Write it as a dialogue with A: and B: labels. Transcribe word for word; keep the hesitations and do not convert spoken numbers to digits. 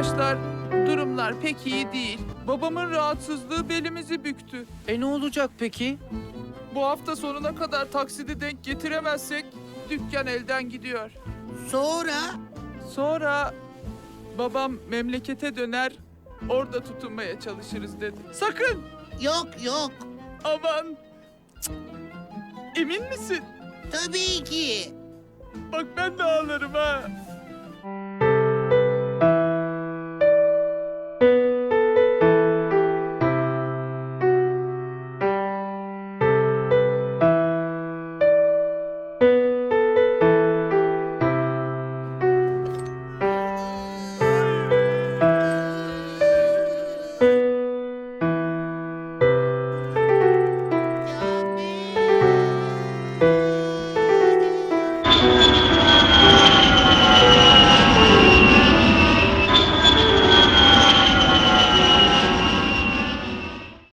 A: arkadaşlar, durumlar pek iyi değil. Babamın rahatsızlığı belimizi büktü.
B: E ne olacak peki?
A: Bu hafta sonuna kadar taksidi denk getiremezsek dükkan elden gidiyor.
C: Sonra?
A: Sonra babam memlekete döner, orada tutunmaya çalışırız dedi. Sakın!
C: Yok yok.
A: Aman! Cık. Emin misin?
C: Tabii ki.
A: Bak ben de ağlarım ha.